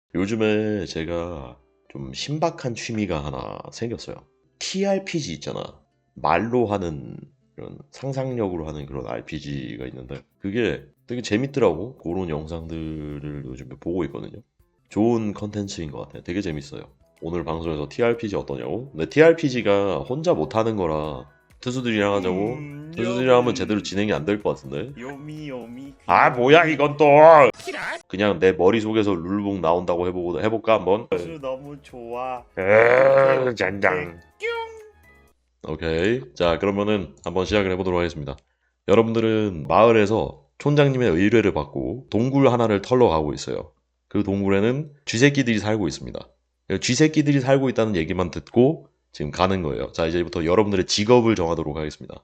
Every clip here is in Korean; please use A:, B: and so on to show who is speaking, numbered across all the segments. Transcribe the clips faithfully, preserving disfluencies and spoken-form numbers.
A: 요즘에 제가 좀 신박한 취미가 하나 생겼어요. 티알피지 있잖아. 말로 하는 이런 상상력으로 하는 그런 알피지가 있는데 그게 되게 재밌더라고. 그런 영상들을 요즘에 보고 있거든요. 좋은 컨텐츠인 것 같아요. 되게 재밌어요. 오늘 방송에서 티알피지 어떠냐고? 근데 티알피지가 혼자 못하는 거라 투수들이랑 하자고
B: 음,
A: 투수들이랑 하면 제대로
B: 여블.
A: 진행이 안 될 것 같은데.
B: 요미 요미
A: 아 뭐야
B: 귀요미.
A: 이건 또 그냥 내 머릿속에서 룰북 나온다고 해보고 해볼까 한번.
B: 수 너무 좋아. 어떡해
A: 으,
B: 어떡해.
A: 젠장. 오케이. 자, 그러면은 한번 시작을 해보도록 하겠습니다. 여러분들은 마을에서 촌장님의 의뢰를 받고 동굴 하나를 털러 가고 있어요. 그 동굴에는 쥐새끼들이 살고 있습니다. 쥐새끼들이 살고 있다는 얘기만 듣고 지금 가는 거예요. 자, 이제부터 여러분들의 직업을 정하도록 하겠습니다.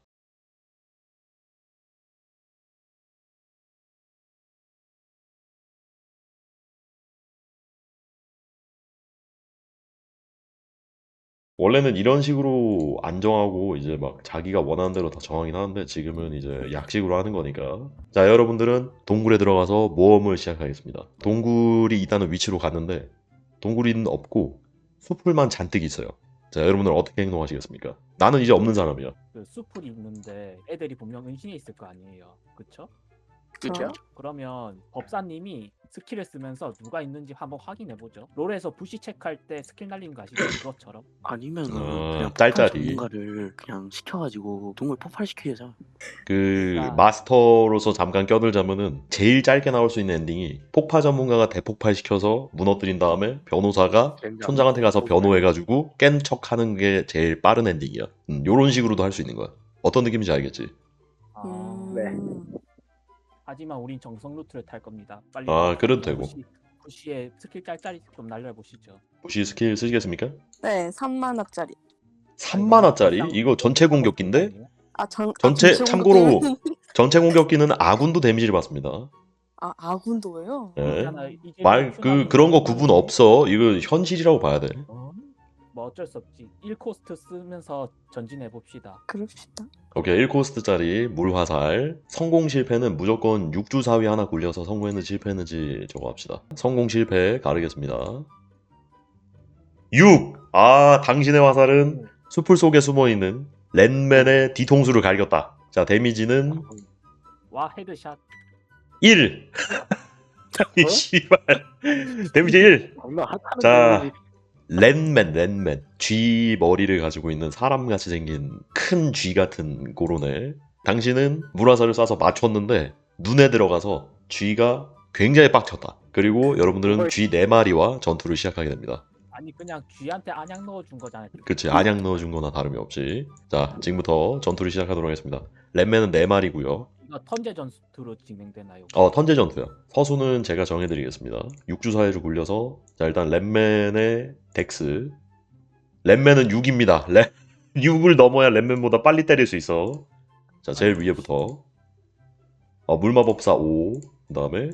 A: 원래는 이런 식으로 안 정하고 이제 막 자기가 원하는 대로 다 정하긴 하는데 지금은 이제 약식으로 하는 거니까. 자, 여러분들은 동굴에 들어가서 모험을 시작하겠습니다. 동굴이 있다는 위치로 갔는데 동굴이는 없고 숲풀만 잔뜩 있어요. 자, 여러분들 어떻게 행동하시겠습니까? 나는 이제 없는 사람이야.
C: 그 숲을 있는데 애들이 분명 은신해 있을 거 아니에요. 그쵸?
D: 그죠?
C: 그러면 법사님이 스킬을 쓰면서 누가 있는지 한번 확인해 보죠. 롤에서 부시 체크할 때 스킬 날리는 거 아시죠? 그것처럼.
D: 아니면은
A: 어,
D: 그냥 폭발
A: 짤짤이.
D: 전문가를 그냥 시켜가지고 동물 폭발시키자.
A: 그
C: 아.
A: 마스터로서 잠깐 껴들자면은 제일 짧게 나올 수 있는 엔딩이 폭파 전문가가 대폭발시켜서 무너뜨린 다음에 변호사가 촌장한테 가서 변호해가지고 깬 척하는 게 제일 빠른 엔딩이야. 음, 요런 식으로도 할 수 있는 거야. 어떤 느낌인지 알겠지?
C: 아,
D: 음.
C: 하지만 우린 정성 루트를 탈 겁니다. 빨리
A: 아, 그래도
C: 법사님
A: 되고.
C: 부시, 부시의 스킬 짤짤이 좀 날려 보시죠.
A: 혹시 스킬 쓰시겠습니까?
E: 네, 삼만 원짜리.
A: 삼만 원짜리? 이거 전체 공격기인데?
E: 아, 전,
A: 전체
E: 아, 전체
A: 참고로
E: 공격기는-
A: 전체 공격기는 아군도 데미지를 받습니다.
E: 아, 아군도예요?
A: 예.
C: 이제
A: 말 그 그런 거 구분 없어. 이거 현실이라고 봐야 돼.
C: 어? 뭐 어쩔 수 없지. 일 코스트 쓰면서 전진해 봅시다.
E: 그럽시다.
A: 오케이, 일 코스트짜리 물화살. 성공 실패는 무조건 육주 사위 하나 굴려서 성공했는지 실패했는지 저거 합시다. 성공 실패 가르겠습니다. 육! 아, 당신의 화살은 숲풀 속에 숨어있는 랜맨의 뒤통수를 갈겼다. 자, 데미지는
C: 와 헤드샷.
A: 일! 아니, 씨발. 데미지 일! 자, 랜맨, 랜맨. 쥐 머리를 가지고 있는 사람같이 생긴 큰 쥐 같은 고로네. 당신은 물화살을 쏴서 맞췄는데 눈에 들어가서 쥐가 굉장히 빡쳤다. 그리고 여러분들은 쥐 네 마리와 전투를 시작하게 됩니다.
C: 아니 그냥 쥐한테 안약 넣어준 거잖아요.
A: 그치, 안약 넣어준 거나 다름이 없지. 자, 지금부터 전투를 시작하도록 하겠습니다. 랜맨은 네 마리고요.
C: 이거 턴제 전투로 진행되나요?
A: 어, 턴제 전투야. 서수는 제가 정해드리겠습니다. 육주 사이를 굴려서 자, 일단 랜맨의 덱스. 랜맨은 육입니다. 랜... 육을 넘어야 랜맨보다 빨리 때릴 수 있어. 자, 제일 위에부터 어, 물마법사 오. 그 다음에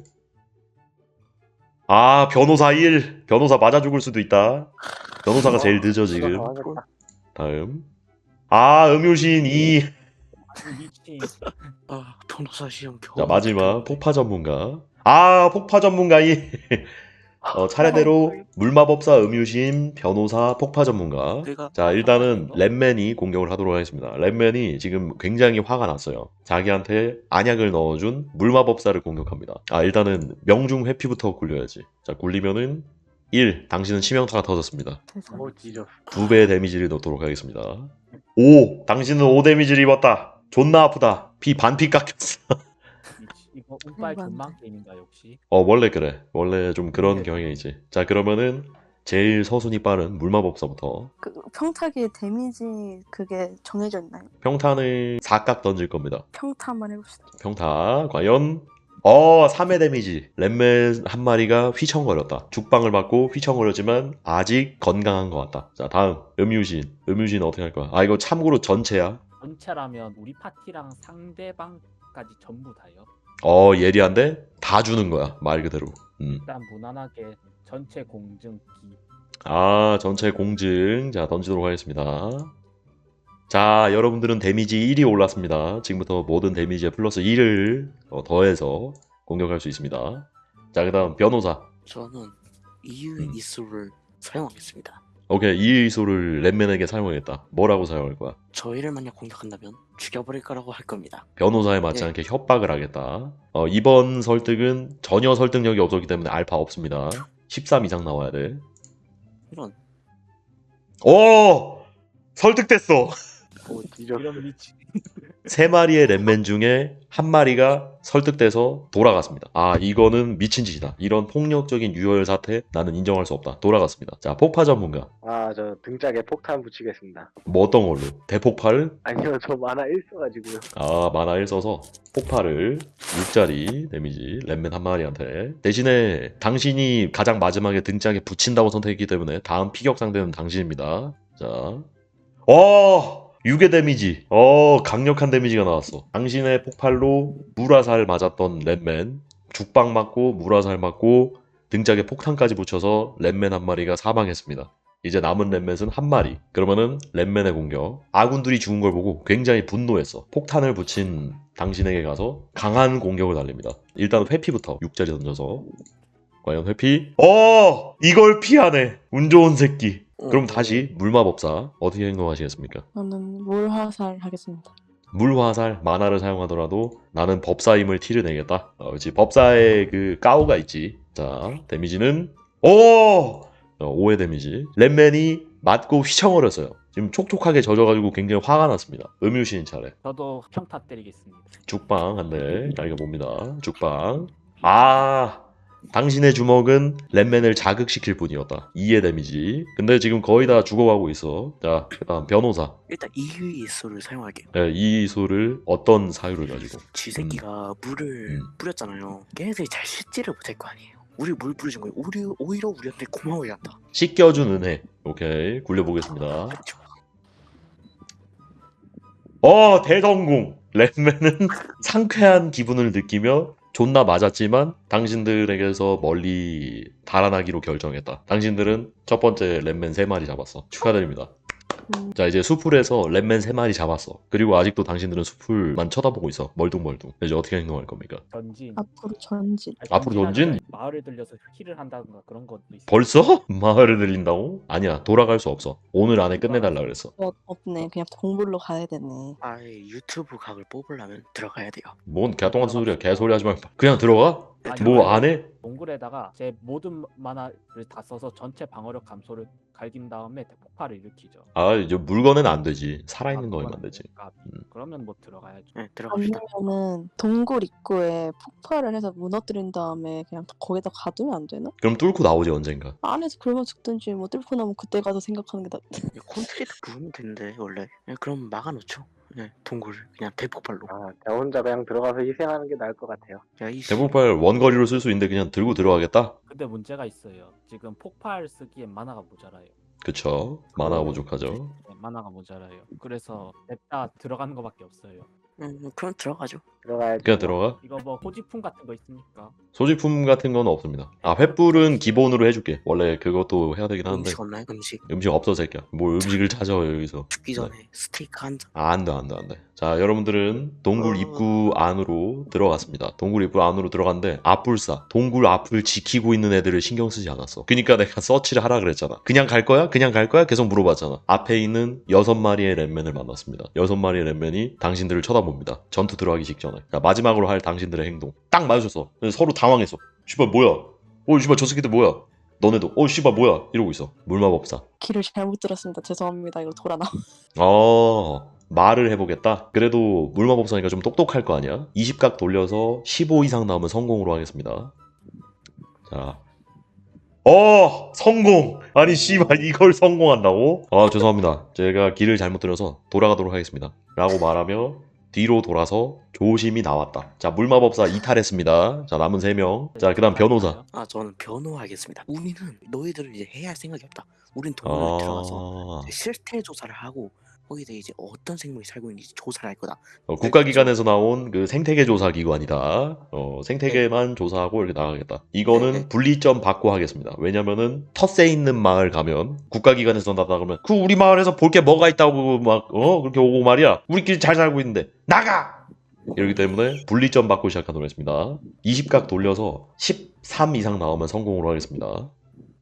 A: 아, 변호사 일. 변호사 맞아 죽을 수도 있다. 변호사가 제일 늦어 지금. 다음 아, 음유신 이.
C: 아니 미친.
D: 아 변호사 시험 겨우.
A: 자, 마지막 폭파 전문가. 아, 폭파 전문가 이. 어, 차례대로 물마법사, 음유신, 변호사, 폭파 전문가.
D: 내가
A: 자, 일단은 랜맨이 공격을 하도록 하겠습니다. 랜맨이 지금 굉장히 화가 났어요. 자기한테 안약을 넣어준 물마법사를 공격합니다. 아, 일단은 명중 회피부터 굴려야지. 자, 굴리면은 일. 당신은 치명타가 터졌습니다.
E: 세상에.
A: 두 배의 데미지를 넣도록 하겠습니다. 오. 당신은 오 데미지를 입었다. 존나 아프다. 피 반피 깎였어.
C: 미치. 이거 운빨
E: 대박이다.
C: 존망 게임인가 역시.
A: 어, 원래 그래. 원래 좀 그런
C: 네.
A: 경향이지. 자, 그러면은 제일 서순위 빠른 물마법사부터.
E: 그 평타기의 데미지 그게 정해져 있나요?
A: 평탄을 사각 던질 겁니다.
E: 평타 한번 해봅시다.
A: 평타 과연 어 삼 회 데미지. 랩맨 한 마리가 휘청거렸다. 죽방을 맞고 휘청거렸지만 아직 건강한 것 같다. 자, 다음 음유신. 음유신 어떻게 할 거야? 아, 이거 참고로 전체야.
C: 전체라면 우리 파티랑 상대방까지 전부 다요.
A: 어, 예리한데 다 주는 거야, 말 그대로. 음.
C: 일단 무난하게 전체 공증기.
A: 아, 전체 공증. 자, 던지도록 하겠습니다. 자, 여러분들은 데미지 일이 올랐습니다. 지금부터 모든 데미지에 플러스 일을 어, 더해서 공격할 수 있습니다. 자, 그 다음 변호사.
D: 저는 이유의
A: 음.
D: 이수를 사용하겠습니다.
A: 오케이, 이 이소를 랩맨에게 사용하겠다. 뭐라고 사용할 거야?
D: 저희를 만약 공격한다면 죽여버릴 거라고 할 겁니다.
A: 변호사에 맞지
D: 예.
A: 않게 협박을 하겠다. 어, 이번 설득은 전혀 설득력이 없었기 때문에 알파 없습니다. 십삼 이상 나와야 돼.
D: 이런
A: 오! 설득됐어.
D: 뭐 뒤져.
C: 이런 미치.
A: 세 마리의 랩맨 중에 한 마리가 설득돼서 돌아갔습니다. 아, 이거는 미친 짓이다. 이런 폭력적인 유혈 사태 나는 인정할 수 없다. 돌아갔습니다. 자, 폭파 전문가.
F: 아, 저 등짝에 폭탄 붙이겠습니다.
A: 뭐 어떤 걸로? 대폭발을?
F: 아니요, 저 만화 일 써가지고요.
A: 아, 만화 일 써서 폭발을 육짜리 데미지 랩맨 한 마리한테. 대신에 당신이 가장 마지막에 등짝에 붙인다고 선택했기 때문에 다음 피격 상대는 당신입니다. 자, 어! 육의 데미지. 어, 강력한 데미지가 나왔어. 당신의 폭발로 물화살 맞았던 랩맨 죽방 맞고 물화살 맞고 등짝에 폭탄까지 붙여서 랩맨 한 마리가 사망했습니다. 이제 남은 랩맨은 한 마리. 그러면은 랩맨의 공격. 아군들이 죽은 걸 보고 굉장히 분노했어. 폭탄을 붙인 당신에게 가서 강한 공격을 날립니다. 일단 회피부터 육짜리 던져서. 과연 회피? 어! 이걸 피하네. 운 좋은 새끼. 그럼 다시 물마법사 어떻게 행동하시겠습니까?
E: 저는 물화살 하겠습니다.
A: 물화살 만화를 사용하더라도 나는 법사임을 티를 내겠다. 어, 그렇지. 법사의 그 까오가 있지. 자, 데미지는 오! 어, 오의 데미지. 랩맨이 맞고 휘청거렸어요. 지금 촉촉하게 젖어가지고 굉장히 화가 났습니다. 음유시인 차례.
C: 저도 평타 때리겠습니다.
A: 죽방 한 대 날려봅니다. 죽방. 아! 당신의 주먹은 랩맨을 자극시킬 뿐이었다. 이의 데미지. 근데 지금 거의 다 죽어가고 있어. 자, 그다음 변호사.
D: 일단 이유의 이수를 사용할게요.
A: 네, 이 소를 어떤 사유를 가지고?
D: 쥐새끼가 물을
A: 음.
D: 뿌렸잖아요. 걔네들이 잘 씻지를 못할 거 아니에요. 우리 물 뿌려준 거예요. 우리 오히려 우리한테 고마워야 한다.
A: 씻겨준 은혜. 오케이, 굴려보겠습니다.
D: 그렇죠.
A: 어, 대성공! 랩맨은 상쾌한 기분을 느끼며 존나 맞았지만 당신들에게서 멀리 달아나기로 결정했다. 당신들은 첫 번째 랩맨 세 마리 잡았어. 축하드립니다.
E: 음,
A: 자, 이제 수풀에서 랩맨 세 마리 잡았어. 그리고 아직도 당신들은 수풀만 쳐다보고 있어. 멀뚱멀뚱. 이제 어떻게 행동할 겁니까?
C: 전진.
E: 앞으로 전진.
C: 아니,
A: 앞으로 전진?
C: 전진하는 게 마을을 들려서 힐을 한다든가 그런 것도 있어요.
A: 벌써? 마을을 들린다고? 아니야, 돌아갈 수 없어. 오늘 안에 끝내달라 그랬어.
E: 어, 없네. 그냥 동굴로 가야 되네.
D: 아예 유튜브 각을 뽑으려면 들어가야 돼요.
A: 뭔 개똥 같은 소리야. 개소리 하지 말고. 그냥 들어가?
C: 아니,
A: 뭐
C: 아니,
A: 안 해?
C: 동굴에다가 제 모든 만화를 다 써서 전체 방어력 감소를 갈긴 다음에 폭발을 일으키죠.
A: 아, 이제 물건은 안 되지. 살아있는 거면 안 되지.
C: 아,
A: 음.
C: 그러면 뭐 들어가야죠.
D: 네, 들어갑시다.
E: 아니면은 동굴 입구에 폭발을 해서 무너뜨린 다음에 그냥 거기다 가두면 안 되나?
A: 그럼 뚫고 나오지 언젠가.
E: 안에서 굶어 죽든지 뭐 뚫고 나면 그때 가서 생각하는 게 낫.
D: 콘크리트 부으면 되는데 원래. 네, 그럼 막아놓죠. 네, 동굴 그냥 대폭발로.
F: 아, 저 혼자 그냥 들어가서 희생하는 게 나을 것 같아요.
D: 야, 이
A: 대폭발 원거리로 쓸 수 있는데 그냥 들고 들어가겠다?
C: 근데 문제가 있어요. 지금 폭발 쓰기엔 만화가 모자라요.
A: 그쵸. 만화가 부족하죠.
C: 네, 만화가 모자라요. 그래서 냅다 들어가는 거밖에 없어요.
D: 음, 그럼 들어가죠.
F: 들어가야지.
A: 그냥 들어가.
C: 이거 뭐 호지품 같은 거 있습니까?
A: 소지품 같은 건 없습니다. 아, 횃불은 기본으로 해줄게. 원래 그것도 해야 되긴 하는데.
D: 음식 없나요? 음식.
A: 음식 없어, 새끼야. 뭘 음식을 찾아, 여기서.
D: 죽기 전에 스테이크 한 잔.
A: 아, 안 돼, 안 돼, 안 돼. 자, 여러분들은 동굴
D: 어.
A: 입구 안으로 들어갔습니다. 동굴 입구 안으로 들어갔는데, 앞불사. 동굴 앞을 지키고 있는 애들을 신경 쓰지 않았어. 그니까 내가 서치를 하라 그랬잖아. 그냥 갈 거야? 그냥 갈 거야? 계속 물어봤잖아. 앞에 있는 여섯 마리의 랩맨을 만났습니다. 여섯 마리의 랩맨이 당신들을 쳐다봅니다. 전투 들어가기 직전에. 자, 마지막으로 할 당신들의 행동. 딱 마주쳤어. 서로 당황했어. 씨발, 뭐야? 어, 씨발, 저 새끼들 뭐야? 너네도, 어, 씨발, 뭐야? 이러고 있어. 물마법사.
E: 길을 잘못 들었습니다. 죄송합니다. 이거 돌아 나.
A: 어, 말을 해보겠다. 그래도 물마법사니까 좀 똑똑할 거 아니야? 이십 각 돌려서 십오 이상 나오면 성공으로 하겠습니다. 자. 어! 성공! 아니 씨발 이걸 성공한다고? 아 죄송합니다. 제가 길을 잘못 들어서 돌아가도록 하겠습니다. 라고 말하며 뒤로 돌아서 조심히 나왔다. 자, 물마법사 이탈했습니다. 자, 남은 세 명. 자, 그 다음 변호사.
D: 아, 저는 변호하겠습니다. 우리는 너희들은 이제 해야 할 생각이 없다. 우린 동굴에 들어가서
A: 아...
D: 실태 조사를 하고 거기서 이제 어떤 생물이 살고 있는지 조사를 할 거다.
A: 어, 국가기관에서 나온 그 생태계 조사 기관이다. 어, 생태계만 조사하고 이렇게 나가겠다. 이거는
D: 네.
A: 분리점 받고 하겠습니다. 왜냐면은 텃세 있는 마을 가면 국가기관에서 나다 그러면 그 우리 마을에서 볼 게 뭐가 있다고 막 어 그렇게 오고 말이야. 우리끼리 잘 살고 있는데 나가. 이러기 때문에 분리점 받고 시작하도록 했습니다. 이십 각 돌려서 십삼 이상 나오면 성공으로 하겠습니다.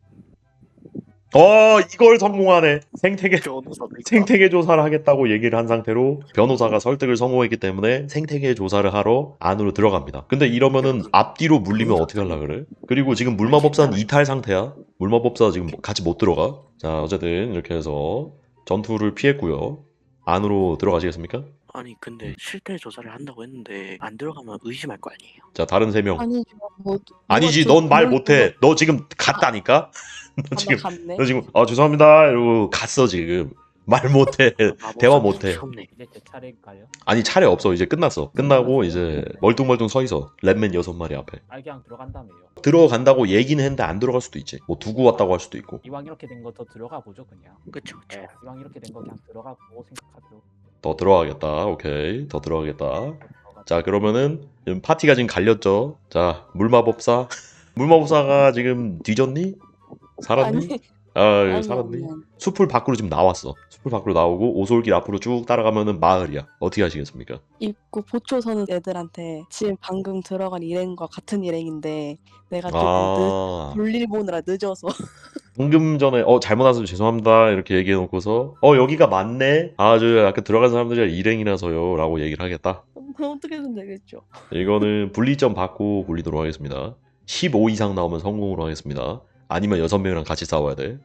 A: 어 이걸 성공하네. 생태계
D: 변호사니까.
A: 생태계 조사를 하겠다고 얘기를 한 상태로 변호사가 설득을 성공했기 때문에 생태계 조사를 하러 안으로 들어갑니다. 근데 이러면은 앞뒤로 물리면 어떻게 하려 그래? 그리고 지금 물마법사는 이탈 상태야. 물마법사 지금 같이 못 들어가. 자 어쨌든 이렇게 해서 전투를 피했고요. 안으로 들어가시겠습니까?
D: 아니 근데 실태 조사를 한다고 했는데 안 들어가면 의심할 거 아니에요.
A: 자 다른 세 명.
E: 아니죠. 뭐
A: 아니지
E: 뭐가
A: 넌 말
E: 좀-
A: 못해. 너 지금 갔다니까. 너
E: 아,
A: 지금
E: 나 갔네.
A: 너 지금 아 죄송합니다 이러고 갔어 지금. 말 못해. 대화 못해.
D: 무섭네.
C: 이제 제 차례일까요?
A: 아니 차례 없어 이제 끝났어. 끝나고 이제 멀뚱멀뚱 서 있어. 랩맨 여섯 마리 앞에.
C: 아 그냥 들어간다며요.
A: 들어간다고 얘기는 했는데 안 들어갈 수도 있지. 뭐 두고 왔다고 할 수도 있고.
C: 이왕 이렇게 된 거 더 들어가 보죠 그냥.
D: 그쵸 그쵸.
C: 네, 이왕 이렇게 된 거 그냥 들어가 보고 생각하죠.
A: 더 들어가겠다. 오케이. 더 들어가겠다.
C: 들어가-
A: 자 그러면은 지금 파티가 지금 갈렸죠. 자 물마법사. 물마법사가 지금 뒤졌니? 살았니?
E: 아니,
A: 아
E: 아니,
A: 살았니?
E: 아니, 아니.
A: 숲을 밖으로 지금 나왔어. 숲을 밖으로 나오고 오솔길 앞으로 쭉 따라가면은 마을이야. 어떻게 하시겠습니까?
E: 입구 보초 서는 애들한테 지금 방금 들어간 일행과 같은 일행인데 내가 조금 늦,
A: 아
E: 볼일 보느라 늦어서
A: 방금 전에 어 잘못 와서 죄송합니다 이렇게 얘기해 놓고서 어 여기가 맞네. 아 저 아까 들어간 사람들이 일행이라서요라고 얘기를 하겠다.
E: 어떻게든 되겠죠.
A: 이거는 분리점 받고 굴리도록 하겠습니다. 십오 이상 나오면 성공으로 하겠습니다. 아니면 여섯 명이랑 같이 싸워야 돼.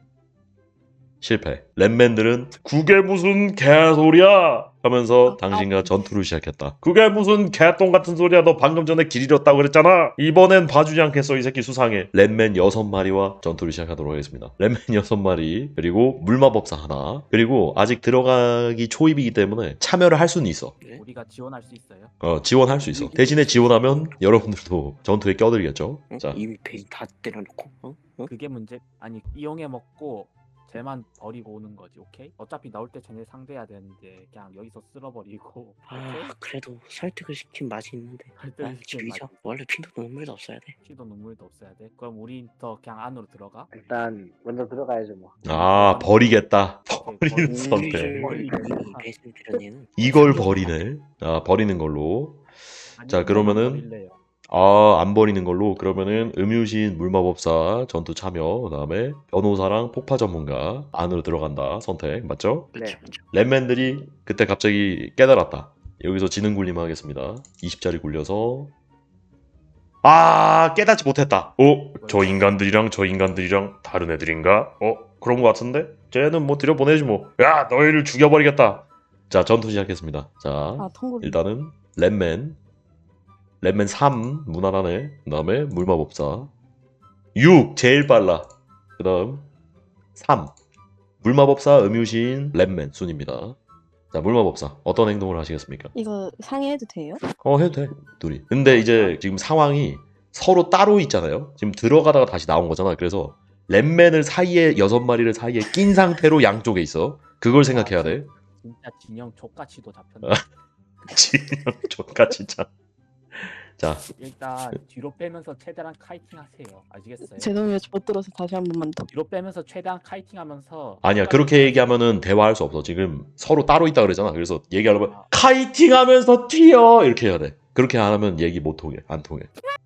A: 실패. 랩맨들은 그게 무슨 개소리야 하면서 당신과 전투를 시작했다. 그게 무슨 개똥 같은 소리야. 너 방금 전에 길 잃었다고 그랬잖아. 이번엔 봐주지 않겠어. 이 새끼 수상해. 랩맨 여섯 마리와 전투를 시작하도록 하겠습니다. 랩맨 여섯 마리 그리고 물마법사 하나 그리고 아직 들어가기 초입이기 때문에 참여를 할 수는 있어.
D: 네?
C: 우리가 지원할 수 있어요.
A: 어 지원할 수 있어. 대신에 지원하면 여러분들도 전투에 껴들겠죠.
D: 어?
A: 자
D: 이미 베인 다 때려놓고. 어? 어?
C: 그게 문제. 아니 이용해 먹고 쟤만 버리고 오는 거지. 오케이? 어차피 나올 때 쟤네 상대해야 되는데 그냥 여기서 쓸어버리고.
D: 아 그래도 설득을 시킨 맛이 있는데. 아, 죽이죠. 원래 피도 눈물도 없어야 돼.
C: 피도 눈물도 없어야 돼. 그럼 우리 더 그냥 안으로 들어가.
F: 일단 먼저 들어가야죠 뭐.
A: 아 버리겠다. 버리는
C: 버리-
A: 선택.
D: 우리를 이미 배신드린 얘는
A: 이걸 버리네. 아 버리는 걸로. 자,
C: 아니면
A: 그러면은
C: 버릴래요.
A: 아 안 버리는 걸로. 그러면은 음유신 물마법사 전투 참여. 그다음에 변호사랑 폭파 전문가 안으로 들어간다. 선택 맞죠?
D: 그쵸
F: 네.
D: 그쵸.
A: 랩맨들이 그때 갑자기 깨달았다. 여기서 지능 굴림 하겠습니다. 이십짜리 굴려서 아 깨닫지 못했다. 어? 저 인간들이랑 저 인간들이랑 다른 애들인가? 어? 그런 것 같은데? 쟤는 뭐 들여보내지 뭐. 야 너희를 죽여버리겠다. 자 전투 시작했습니다. 자
E: 아 통굴.
A: 일단은 랩맨 랩맨 삼 무난하네. 그 다음에 물마법사 육 제일 빨라. 그 다음 삼 물마법사 음유신 랩맨 순입니다. 자 물마법사 어떤 행동을 하시겠습니까?
E: 이거 상의해도 돼요?
A: 어 해도 돼 둘이. 근데 이제 지금 상황이 서로 따로 있잖아요. 지금 들어가다가 다시 나온 거잖아. 그래서 랩맨을 사이에 여섯 마리를 사이에 낀 상태로 양쪽에 있어. 그걸 생각해야 돼.
C: 진짜 진영 족같이도 잡혔네.
A: 진영 좋다 진짜. 자
C: 일단 뒤로 빼면서 최대한 카이팅 하세요. 아시겠어요?
E: 죄송해요. 못 들어서 다시 한 번만 더.
C: 뒤로 빼면서 최대한 카이팅 하면서
A: 아니야 그렇게 얘기하면은 대화할 수 없어. 지금 서로 따로 있다 그러잖아. 그래서 얘기하려면
C: 아.
A: 카이팅하면서 튀어 이렇게 해야 돼. 그렇게 안 하면 얘기 못 통해. 안 통해.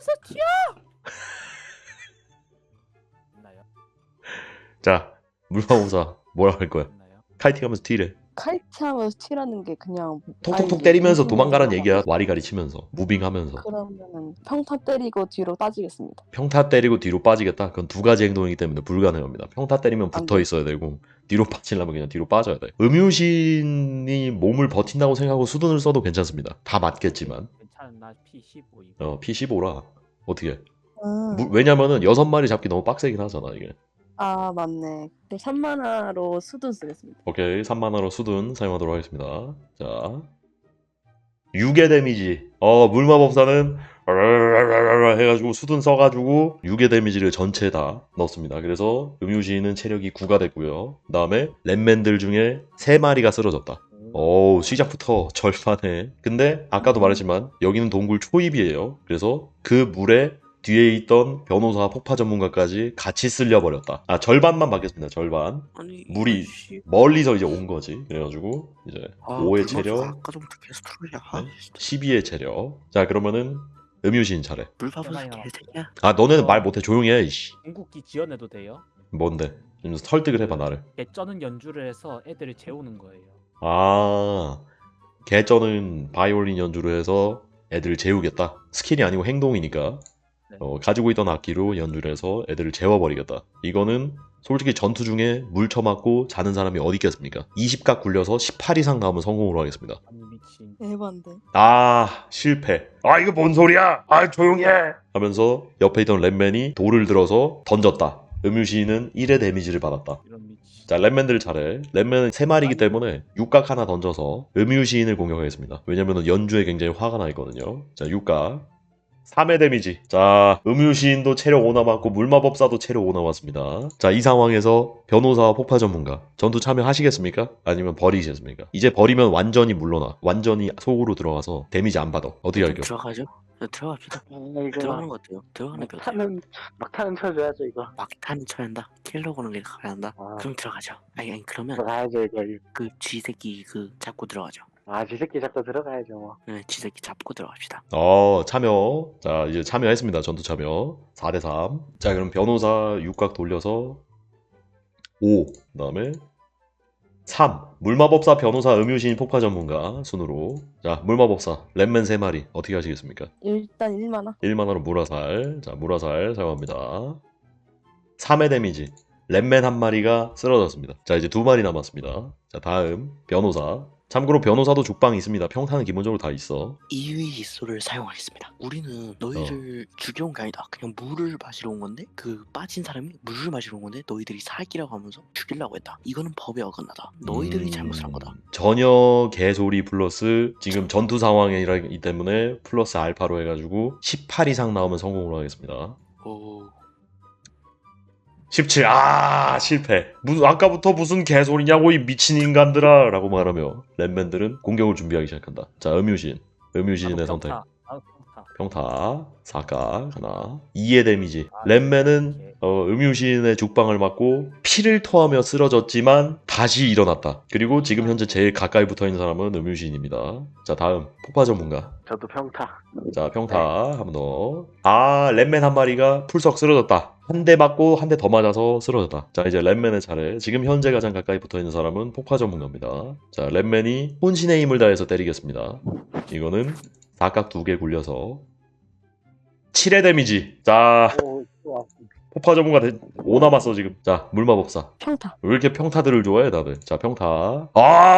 C: 있나요?
A: 자 물마법사 뭐라 할 거야?
C: 있나요?
A: 카이팅하면서 튀래.
E: 카이트하면서 튀라는 게 그냥
A: 톡톡톡
E: 아니,
A: 때리면서
E: 무슨
A: 도망가란
E: 말이야.
A: 얘기야. 와리가리 치면서 무빙하면서
E: 그러면은 평타 때리고 뒤로 빠지겠습니다.
A: 평타 때리고 뒤로 빠지겠다. 그건 두 가지 행동이기 때문에 불가능합니다. 평타 때리면
E: 안
A: 붙어
E: 돼.
A: 있어야 되고 뒤로 빠지려면 그냥 뒤로 빠져야 돼. 음유신이 몸을 버틴다고 생각하고 수둔을 써도 괜찮습니다. 다 맞겠지만
C: 괜찮은 나 피 십오 이거.
A: 어 피 십오라 어떻게?
E: 음.
A: 무- 왜냐면은 여섯 마리 잡기 너무 빡세긴 하잖아 이게.
E: 아 맞네. 그럼 삼 만화로 수둔 쓰겠습니다.
A: 오케이 삼 만화로 수둔 사용하도록 하겠습니다. 자 육의 데미지. 어 물마법사는 해가지고 수둔 써가지고 육의 데미지를 전체 다 넣습니다. 그래서 음유시인은 체력이 구가 됐고요. 그 다음에 랩맨들 중에 세 마리가 쓰러졌다. 어우 시작부터 절반에. 근데 아까도 말했지만 여기는 동굴 초입이에요. 그래서 그 물에 뒤에 있던 변호사 폭파 전문가까지 같이 쓸려버렸다. 아 절반만 받겠습니다. 절반.
D: 아니
A: 물이
D: 이씨.
A: 멀리서 이제 온 거지. 그래가지고 이제
D: 아,
A: 오의
D: 불만서
A: 체력,
D: 아까부터 계속 트롤이야. 아,
A: 네. 십이의 체력. 자 그러면은 음유시인 차례.
D: 물밥은
C: 세상에
D: 개새끼야.
A: 아 너네는 말 못해. 조용히 해. 이씨.
C: 궁극기 지원해도 돼요?
A: 뭔데? 좀 설득을 해봐 나를.
C: 개쩌는 연주를 해서 애들을 재우는 거예요.
A: 아, 개쩌는 바이올린 연주를 해서 애들을 재우겠다. 스킬이 아니고 행동이니까.
C: 네.
A: 어, 가지고 있던 악기로 연주를 해서 애들을 재워버리겠다. 이거는 솔직히 전투 중에 물 쳐맞고 자는 사람이 어디 있겠습니까? 이십 각 굴려서 십팔 이상 나오면 성공으로 하겠습니다.
C: 아니 미친.
E: 에반데.
A: 아, 실패. 아, 이거 뭔 소리야? 아, 조용히 해. 하면서 옆에 있던 랩맨이 돌을 들어서 던졌다. 음유시인은 일의 데미지를 받았다.
C: 이런 미친.
A: 자, 랩맨들 차례. 랩맨은 세 마리이기 때문에 육각 하나 던져서 음유시인을 공격하겠습니다. 왜냐면 연주에 굉장히 화가 나 있거든요. 자, 육각. 삼 회 데미지. 자, 음유시인도 체력 오 남았고 물마법사도 체력 오 남았습니다. 자, 이 상황에서 변호사와 폭파 전문가 전투 참여하시겠습니까? 아니면 버리시겠습니까? 이제 버리면 완전히 물러나. 완전히 속으로 들어가서 데미지 안 받아. 어떻게 할게요?
D: 들어가죠? 네, 들어갑시다.
F: 아, 이거
D: 들어가는 것 같아요. 들어가는 게 어때요?
F: 막타는 막타는 쳐줘야죠 이거.
D: 막타는 쳐야 한다. 킬러 보는 게 가야 한다.
F: 아.
D: 그럼 들어가죠. 아니 아니 그러면
F: 들어가야죠 이거.
D: 그 쥐새끼 그 잡고 들어가죠.
F: 아, 지 새끼 잡고 들어가야죠 뭐.
D: 네, 쥐새끼 잡고 들어갑시다.
A: 어, 참여. 자, 이제 참여했습니다. 전투 참여. 사 대 삼. 자, 그럼 변호사 육각 돌려서 오. 그 다음에 삼. 물마법사 변호사 음유시인 폭파 전문가 순으로. 자, 물마법사 랩맨 세 마리 어떻게 하시겠습니까?
E: 일단 일만화.
A: 일 만화로 물화살. 자, 물화살 사용합니다. 삼 회 데미지. 랩맨 한 마리가 쓰러졌습니다. 자, 이제 두 마리 남았습니다. 자, 다음 변호사. 참고로 변호사도 죽방이 있습니다. 평타는 기본적으로 다 있어.
D: 이위이소를 사용하겠습니다. 우리는 너희를 죽여온 게 아니다. 그냥 물을 마시러 온 건데 그 빠진 사람이 물을 마시러 온 건데 너희들이 살기라고 하면서 죽이려고 했다. 이거는 법에 어긋나다. 너희들이
A: 음,
D: 잘못을 한 거다.
A: 전혀 개소리 플러스 지금 전투 상황이기 때문에 플러스 알파로 해가지고 십팔 이상 나오면 성공으로 하겠습니다.
D: 오,
A: 십칠. 아, 실패. 무슨 아까부터 무슨 개소리냐고 이 미친 인간들아 라고 말하며 랩맨들은 공격을 준비하기 시작한다. 자, 음유신. 음유신의 선택.
C: 평타. 아, 평타.
A: 평타 사각 하나 이 의 데미지.
C: 아,
A: 랩맨은
C: 오케이.
A: 어, 음유신의 죽방을 맞고 피를 토하며 쓰러졌지만 다시 일어났다. 그리고 지금 현재 제일 가까이 붙어있는 사람은 음유신입니다. 자, 다음 폭파 전문가.
F: 저도 평타.
A: 자, 평타 한 번 더. 아, 랩맨 한 마리가 풀썩 쓰러졌다. 한 대 맞고 한 대 더 맞아서 쓰러졌다. 자, 이제 랩맨의 차례. 지금 현재 가장 가까이 붙어있는 사람은 폭파 전문가입니다. 자, 랩맨이 혼신의 힘을 다해서 때리겠습니다. 이거는 사각 두 개 굴려서 칠 회 데미지. 자,
F: 오, 좋아.
A: 폭파 전문가 오 남았어 지금. 자, 물마법사.
E: 평타.
A: 왜 이렇게 평타들을 좋아해 다들? 자, 평타.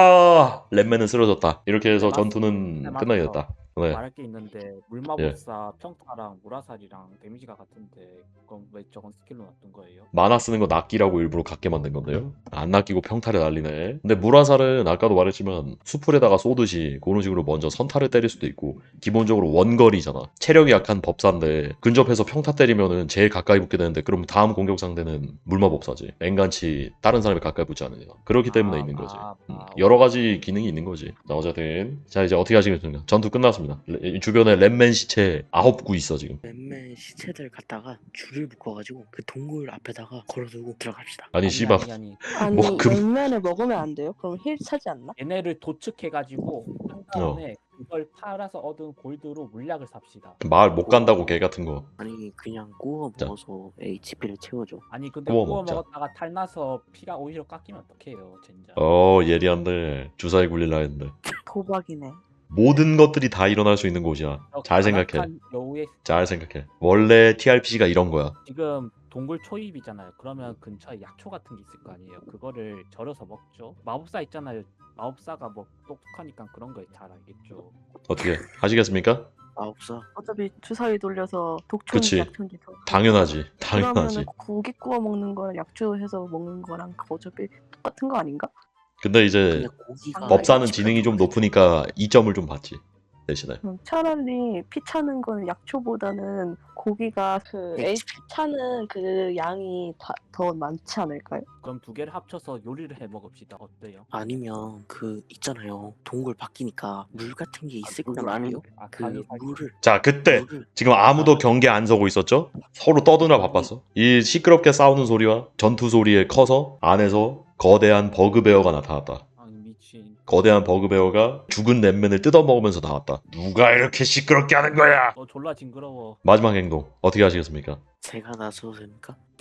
A: 아, 랩맨은 쓰러졌다. 이렇게 해서
C: 네,
A: 전투는
C: 맞-
A: 끝나겠다. 네.
C: 말할 게 있는데 물마법사 평타랑 물화살이랑 데미지가 같은데 그럼 왜 저건 스킬로 놔둔 거예요?
A: 만화 쓰는 거 낚이라고 일부러 갖게 만든 건데요. 안 낚이고 평타를 날리네. 근데 물화살은 아까도 말했지만 수풀에다가 쏘듯이 그런 식으로 먼저 선타를 때릴 수도 있고 기본적으로 원거리잖아. 체력이 약한 법사인데 근접해서 평타 때리면은 제일 가까이 붙게 되는데 그럼 다음 공격 상대는 물마법사지. 앵간치 다른 사람이 가까이 붙지 않으냐. 그렇기 때문에
C: 아,
A: 있는 거지.
C: 아,
A: 음,
C: 아,
A: 여러 가지 기능이 있는 거지. 자, 어쨌든 자, 이제 어떻게 하시겠습니까? 전투 끝났습니다. 레- 주변에 랩맨 시체 아홉 구 있어 지금.
D: 맨맨 시체들 갖다가 줄을 묶어가지고 그 동굴 앞에다가 걸어두고 들어갑시다.
A: 아니 씨발.
C: 아니 아니
E: 아니
A: 뭐, 금-
E: 열면을 먹으면 안 돼요? 그럼 힐 차지 않나?
C: 얘네를 도축해가지고 한
A: 어.
C: 다음에 그걸 팔아서 얻은 골드로 물약을 삽시다.
A: 마을 못 간다고 개 같은 거.
D: 아니 그냥 구워
A: 자.
D: 먹어서 에이치피를 채워줘.
C: 아니 근데
A: 구워
C: 구워
A: 먹자.
C: 먹었다가 탈나서 피가 오히려 깎이면 어떡해요 젠장.
A: 어, 예리한데 주사위 굴릴라 했는데.
E: 도박이네.
A: 모든 것들이 다 일어날 수 있는 곳이야.
C: 저
A: 잘 생각해.
C: 간악한 여우의
A: 잘 생각해. 원래 티알피지가 이런 거야.
C: 지금 동굴 초입이잖아요. 그러면 근처에 약초 같은 게 있을 거 아니에요. 그거를 절여서 먹죠. 마법사 있잖아요. 마법사가 뭐 똑똑하니까 그런 거 잘 알겠죠.
A: 어떻게 하시겠습니까?
D: 마법사.
E: 어차피 주사위 돌려서 독초인지
A: 그치.
E: 약초인지 더-
A: 당연하지. 당연하지.
E: 그러면은 고기 구워 먹는 거랑 약초해서 먹는 거랑 어차피 똑같은 거 아닌가?
A: 근데 이제
D: 근데 고기가
A: 법사는
D: 에이치피가
A: 지능이 좀
D: 들어가서
A: 높으니까 이 점을 좀 받지. 대신에.
E: 음, 차라리 피 차는 거는 약초보다는 고기가 그
D: 에이치피.
E: 에이치피 차는 그 양이 다, 더 많지 않을까요?
C: 그럼 두 개를 합쳐서 요리를 해 먹읍시다. 어때요?
D: 아니면 그 있잖아요. 동굴 바뀌니까 물 같은 게 있을
F: 물
D: 거란
F: 아니-
D: 말이에요.
C: 아,
D: 그
C: 간이 살짝-
D: 물을
A: 자, 그때
D: 물을
A: 지금 아무도 경계 안 서고 있었죠? 서로 떠드나 바빴어. 이 시끄럽게 싸우는 소리와 전투 소리에 커서 안에서 거대한 버그베어가 나타났다.
C: 아니 미친.
A: 거대한 버그베어가 죽은 랩맨을 뜯어먹으면서 나왔다. 누가 이렇게 시끄럽게 하는 거야?
C: 어 졸라 징그러워.
A: 마지막 행동 어떻게 하시겠습니까?
D: 제가 나서니까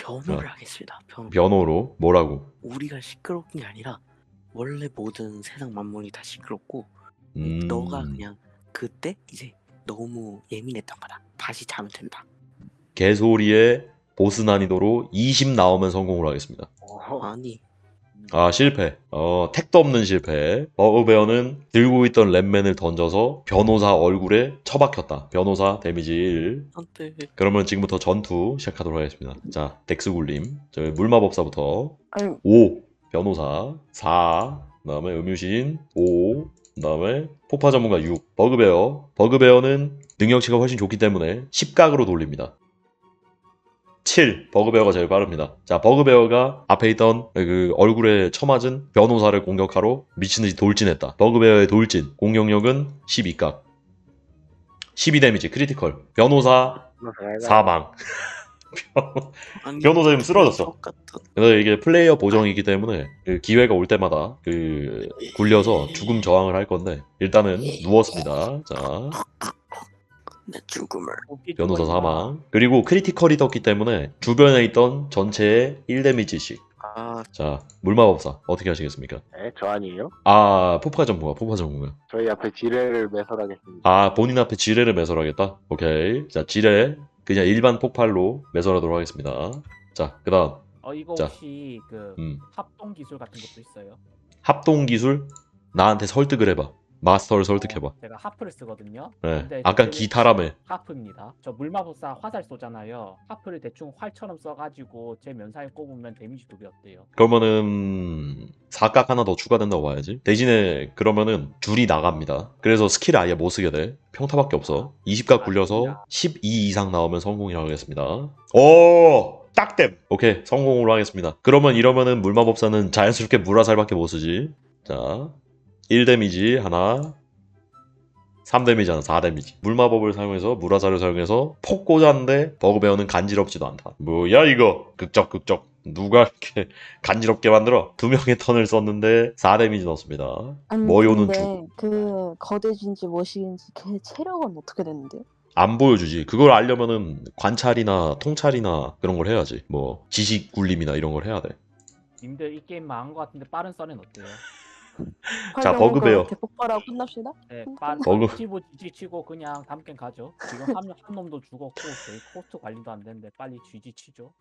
D: 변호를
A: 어.
D: 하겠습니다. 변호.
A: 변호로 뭐라고?
D: 우리가 시끄러운 게 아니라 원래 모든 세상 만물이 다 시끄럽고
A: 음,
D: 너가 그냥 그때 이제 너무 예민했던 거다. 다시 자면 된다.
A: 개소리에 보스 난이도로 이십 나오면 성공을 하겠습니다.
F: 어,
D: 아니
A: 아 실패. 어 택도 없는 실패. 버그베어는 들고 있던 랩맨을 던져서 변호사 얼굴에 처박혔다. 변호사 데미지 일.
D: 안돼.
A: 그러면 지금부터 전투 시작하도록 하겠습니다. 자 덱스 굴림. 저 물마법사부터
E: 아니
A: 오 변호사 사 그다음에 음유신 오 그다음에 폭파 전문가 육 버그베어. 버그베어는 능력치가 훨씬 좋기 때문에 십 각으로 돌립니다. 칠 버그베어가 제일 빠릅니다. 자 버그베어가 앞에 있던 그 얼굴에 처맞은 변호사를 공격하러 미친듯이 돌진했다. 버그베어의 돌진 공격력은 십이 각 십이 데미지 크리티컬. 변호사 사망.
D: 아니,
A: 변호사 지금 쓰러졌어.
D: 똑같은.
A: 그래서 이게 플레이어 보정이기 때문에 그 기회가 올 때마다 그 굴려서 죽음 저항을 할 건데 일단은 누웠습니다. 자
D: 내 죽음을.
A: 변호사 사망. 그리고 크리티컬이 떴기 때문에 주변에 있던 전체의 일 데미지씩.
D: 아
A: 자 물마법사 어떻게 하시겠습니까?
F: 네, 저 아니에요?
A: 아 폭파 전문가 폭파 전문가.
F: 저희 앞에 지뢰를 매설하겠습니다.
A: 아 본인 앞에 지뢰를 매설하겠다. 오케이. 자 지뢰 그냥 일반 폭발로 매설하도록 하겠습니다. 자 그다음
C: 어 이거
A: 자.
C: 혹시 그
A: 음,
C: 합동 기술 같은 것도 있어요?
A: 합동 기술 나한테 설득을 해봐. 마스터를 설득해봐.
C: 어, 제가 하프를 쓰거든요.
A: 네.
C: 근데
A: 아까
C: 그때는
A: 기타라며.
C: 하프입니다. 저 물마법사 화살 쏘잖아요. 하프를 대충 활처럼 써가지고 제 면상에 꼽으면 데미지 두 배 어때요?
A: 그러면은 사각 하나 더 추가된다고 봐야지. 대신에 그러면은 줄이 나갑니다. 그래서 스킬을 아예 못 쓰게 돼. 평타밖에 없어. 이십 각 굴려서 십이 이상 나오면 성공이라고 하겠습니다. 오! 딱댐! 오케이 성공으로 하겠습니다. 그러면 이러면은 물마법사는 자연스럽게 물화살밖에 못 쓰지. 자 일 데미지 하나 삼 데미지 하나 사 데미지. 물마법을 사용해서 물화살을 사용해서 폭 꽂았는데 버그베어는 간지럽지도 않다. 뭐야 이거 극적 극적. 누가 이렇게 간지럽게 만들어? 두 명의 턴을 썼는데 사 데미지 넣었습니다.
E: 아니
A: 머요는
E: 근데 그 거대진지 뭐시인지 걔 체력은 어떻게 되는데요?
A: 안 보여주지. 그걸 알려면은 관찰이나 통찰이나 그런 걸 해야지. 뭐 지식 굴림이나 이런 걸 해야 돼.
C: 님들 이 게임 망한 것 같은데 빠른 썰은 어때요?
A: 자, 버그베어.
E: 대폭발하고 끝납시다.
C: 네, 빠른
A: 버그-
C: 치고 지지치고 그냥 다음 게임 가죠. 지금 한, 명- 한 놈도 죽었고 저희 코스트 관리도 안 되는데 빨리 쥐지치죠.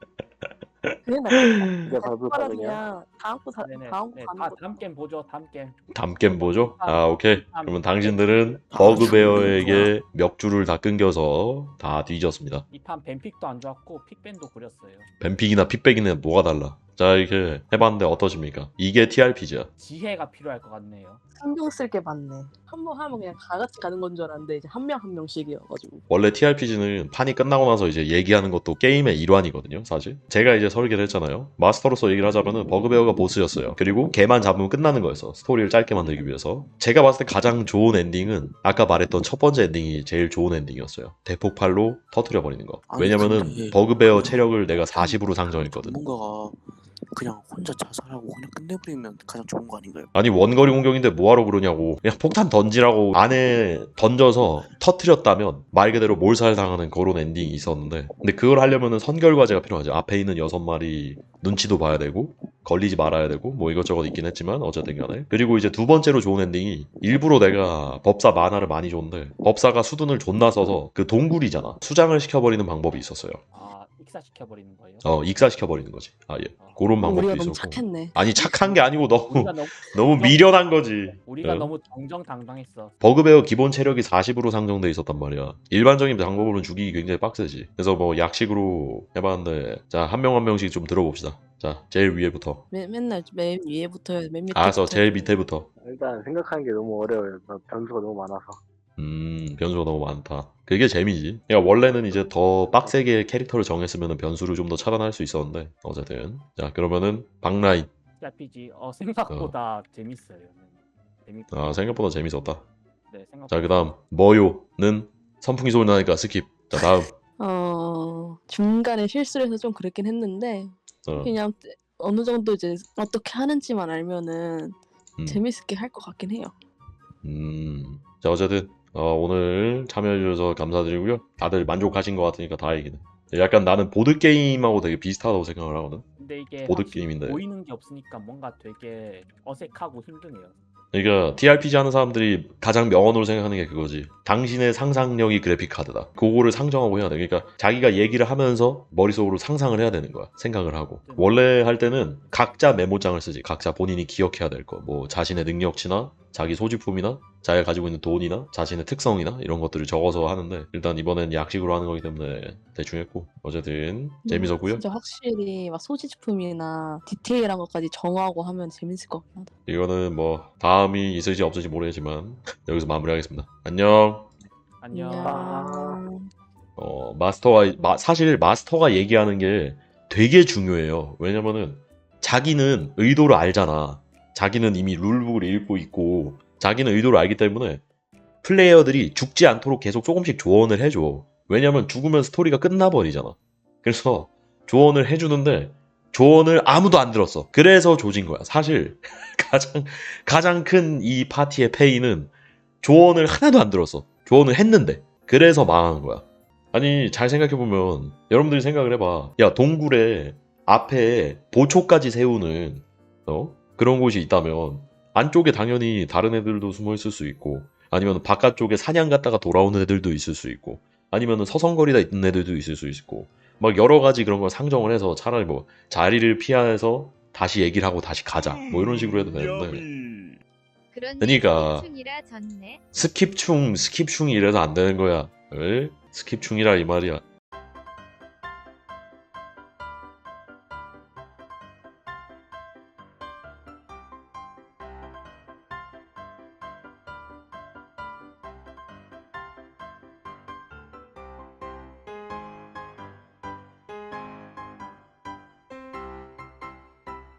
E: 그게 낫겠다.
F: 이게 버그가
E: 대폭발은
F: 그냥
E: 그냥 다음 거 사,
C: 네네.
E: 다음 거
C: 네,
E: 가는
C: 다,
E: 거.
C: 다음 게임 보죠. 다음 게임.
A: 다음 게임 보죠. 아 오케이. 그러면 당신들은 버그베어에게 멱줄을 다 끊겨서 다 뒤졌습니다.
C: 이 판 뱀픽도 안 좋았고 픽밴도 그렸어요.
A: 뱀픽이나 픽백이나 뭐가 달라. 자 이렇게 해봤는데 어떠십니까? 이게 티알피지야.
C: 지혜가 필요할 것 같네요.
E: 신경 쓸 게 많네. 한 번 하면 그냥 다 같이 가는 건 줄 알았는데 이제 한 명 한 명씩이어가지고.
A: 원래 티알피지는 판이 끝나고 나서 이제 얘기하는 것도 게임의 일환이거든요, 사실. 제가 이제 설계를 했잖아요. 마스터로서 얘기를 하자면은 버그베어가 보스였어요. 그리고 걔만 잡으면 끝나는 거였어. 스토리를 짧게 만들기 위해서. 제가 봤을 때 가장 좋은 엔딩은 아까 말했던 첫 번째 엔딩이 제일 좋은 엔딩이었어요. 대폭발로 터트려버리는 거.
D: 아니,
A: 왜냐면은
D: 근데
A: 버그베어 체력을 내가 사십으로 상정했거든.
D: 뭔가가 그냥 혼자 자살하고 그냥 끝내버리면 가장 좋은 거 아닌가요?
A: 아니 원거리 공격인데 뭐하러 그러냐고. 그냥 폭탄 던지라고 안에 던져서 터트렸다면 말 그대로 몰살당하는 그런 엔딩이 있었는데 근데 그걸 하려면은 선결과제가 필요하죠. 앞에 있는 여섯 마리 눈치도 봐야 되고 걸리지 말아야 되고 뭐 이것저것 있긴 했지만 어쨌든 간에. 그리고 이제 두 번째로 좋은 엔딩이 일부러 내가 법사 만화를 많이 줬는데 법사가 수둔을 존나 써서 그 동굴이잖아. 수장을 시켜버리는 방법이 있었어요.
C: 아 익사시켜버리는 거예요.
A: 어 익사시켜버리는 거지. 아예 그런 방법도
E: 우리가 너무
A: 있었고.
E: 착했네.
A: 아니 착한 게 아니고 너무
C: 우리가 너무
A: 너무 미련한 거지.
C: 우리가
A: 어?
C: 너무 정정당당했어.
A: 버그베어 기본 체력이 사십으로 상정돼 있었단 말이야. 일반적인 방법으로는 죽이기 굉장히 빡세지. 그래서 뭐 약식으로 해봤는데 자 한 명 한 명씩 좀 들어봅시다. 자 제일 위에부터.
E: 맨, 맨날 맨 위에부터 맨 밑에.
A: 알았어 제일 밑에부터.
F: 일단 생각하는 게 너무 어려워요. 변수가 너무 많아서.
A: 음 변수가 너무 많다. 그게 재미지. 그러니까 원래는 이제 더 빡세게 캐릭터를 정했으면 변수를 좀 더 차단할 수 있었는데 어쨌든 자 그러면은 박라인.
C: 알피지 어 생각보다 재밌어요. 재밌고.
A: 아 생각보다 재밌었다.
C: 네 생각.
A: 자 그다음 머요는 선풍기 소리 나니까 스킵. 자 다음.
E: 어 중간에 실수를 해서 좀 그랬긴 했는데
A: 어,
E: 그냥 어느 정도 이제 어떻게 하는지만 알면은
A: 음.
E: 재밌게 할 것 같긴 해요.
A: 음. 자 어쨌든 어, 오늘 참여해주셔서 감사드리고요. 다들 만족하신 것 같으니까 다행이네. 약간 나는 보드 게임하고 되게 비슷하다고 생각을 하거든.
C: 근데 이게
A: 보드
C: 확실히
A: 게임인데.
C: 보이는 게 없으니까 뭔가 되게 어색하고 힘드네요.
A: 그러니까 티알피지 하는 사람들이 가장 명언으로 생각하는 게 그거지. 당신의 상상력이 그래픽 카드다. 그거를 상정하고 해야 돼. 그러니까 자기가 얘기를 하면서 머릿속으로 상상을 해야 되는 거야. 생각을 하고. 원래 할 때는 각자 메모장을 쓰지. 각자 본인이 기억해야 될 거. 뭐 자신의 능력치나 자기 소지품이나 자기가 가지고 있는 돈이나 자신의 특성이나 이런 것들을 적어서 하는데 일단 이번엔 약식으로 하는 거기 때문에 대충 했고 어쨌든 재밌었고요.
E: 진짜 확실히 막 소지품이나 디테일한 것까지 정하고 하면 재밌을 것 같긴 하다.
A: 이거는 뭐 다음이 있을지 없을지 모르겠지만 여기서 마무리하겠습니다. 안녕.
C: 안녕.
E: 안녕.
A: 어, 마스터가 마- 사실 마스터가 얘기하는 게 되게 중요해요. 왜냐면은 자기는 의도를 알잖아. 자기는 이미 룰북을 읽고 있고 자기는 의도를 알기 때문에 플레이어들이 죽지 않도록 계속 조금씩 조언을 해줘. 왜냐면 죽으면 스토리가 끝나버리잖아. 그래서 조언을 해주는데 조언을 아무도 안 들었어. 그래서 조진 거야. 사실 가장 가장 큰 이 파티의 페이는 조언을 하나도 안 들었어. 조언을 했는데 그래서 망하는 거야. 아니 잘 생각해보면 여러분들이 생각을 해봐. 야 동굴에 앞에 보초까지 세우는 어? 그런 곳이 있다면 안쪽에 당연히 다른 애들도 숨어 있을 수 있고 아니면 바깥쪽에 사냥 갔다가 돌아오는 애들도 있을 수 있고 아니면 서성거리다 있는 애들도 있을 수 있고 막 여러 가지 그런 걸 상정을 해서 차라리 뭐 자리를 피해서 다시 얘기를 하고 다시 가자 뭐 이런 식으로 해도 되는데
B: 여미.
A: 그러니까.
G: 충이라 졌네.
A: 스킵충 스킵충이 이래서 안 되는 거야. 에? 스킵충이라 이 말이야.